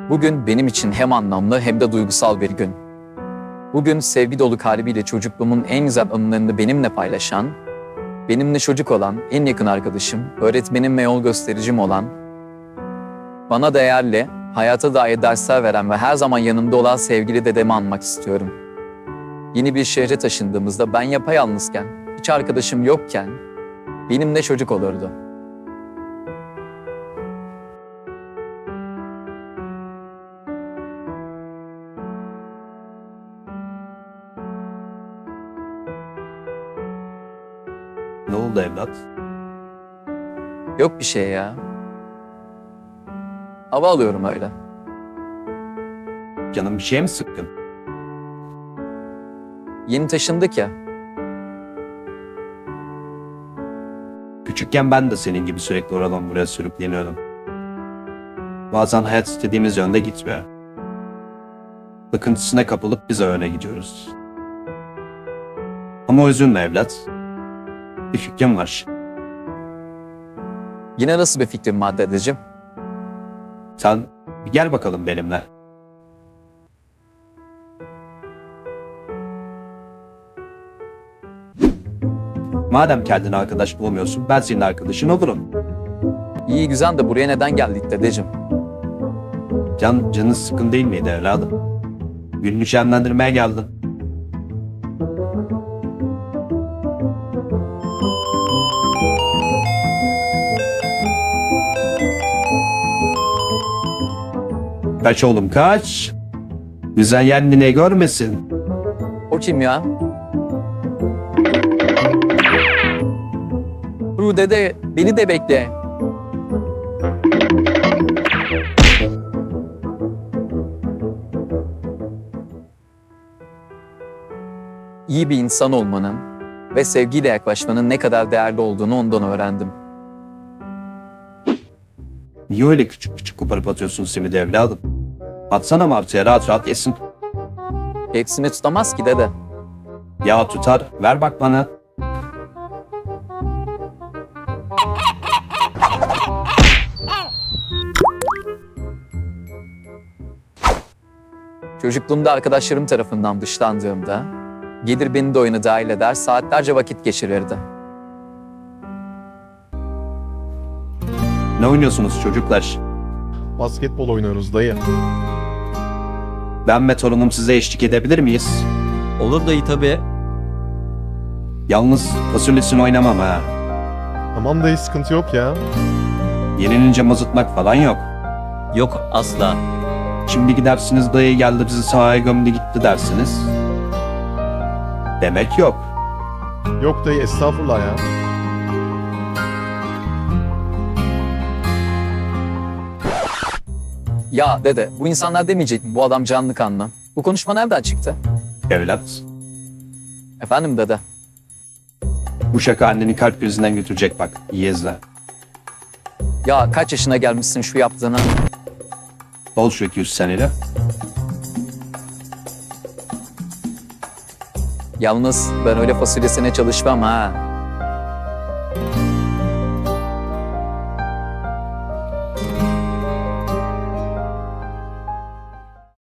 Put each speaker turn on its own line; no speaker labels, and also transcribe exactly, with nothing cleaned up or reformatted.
Bugün benim için hem anlamlı hem de duygusal bir gün. Bugün sevgi dolu kalbiyle çocukluğumun en güzel anılarını benimle paylaşan, benimle çocuk olan en yakın arkadaşım, öğretmenim ve yol göstericim olan, bana değerli, hayata dair dersler veren ve her zaman yanımda olan sevgili dedemi anmak istiyorum. Yeni bir şehre taşındığımızda ben yapayalnızken, hiç arkadaşım yokken benimle çocuk olurdu.
Ne oldu evlat?
Yok bir şey ya. Hava alıyorum öyle.
Canım bir şey mi sıkkın?
Yeni taşındık ya.
Küçükken ben de senin gibi sürekli oradan buraya sürükleniyordum. Bazen hayat istediğimiz yönde gitmiyor. Sıkıntısına kapılıp biz öne gidiyoruz. Ama üzülme evlat. Bir fikrim var.
Yine nasıl bir fikrin var dedeciğim?
Sen bir gel bakalım benimle. Madem kendine arkadaş bulmuyorsun, ben senin arkadaşın olurum.
İyi güzel de buraya neden geldik dedeciğim?
Can, canın sıkın değil miydi evladım? Gününü şenlendirmeye geldin. Kaç oğlum kaç. Güzel kendine görmesin.
O kim ya? Ru dede, beni de bekle. İyi bir insan olmanın ve sevgiyle yaklaşmanın ne kadar değerli olduğunu ondan öğrendim.
Niye öyle küçük küçük koparıp atıyorsun simidi evladım? Atsana martıya rahat rahat yesin.
Hepsini tutamaz ki dede.
Ya tutar, ver bak bana.
Çocukluğumda arkadaşlarım tarafından dışlandığımda, gelir beni de oyuna dahil eder, saatlerce vakit geçirirdi.
Ne oynuyorsunuz çocuklar?
Basketbol oynuyoruz dayı.
Ben ve torunum size eşlik edebilir miyiz?
Olur dayı tabii.
Yalnız fasulyesini oynamam ha.
Tamam dayı, sıkıntı yok ya.
Yenilince mazıtmak falan yok.
Yok asla.
Şimdi gidersiniz dayı geldi bizi sahaya gömdü gitti dersiniz. Demek yok.
Yok dayı, estağfurullah ya.
Ya dede, bu insanlar demeyecek mi bu adam canlı kanlı? Bu konuşma nereden çıktı?
Evlat,
Efendim dede.
bu şaka anneni kalp krizinden götürecek bak. İyi izle.
Ya kaç yaşına gelmişsin şu yaptığına?
Bol şu iki yüz seneyle.
Yalnız ben öyle fasulyesine çalışmam ha.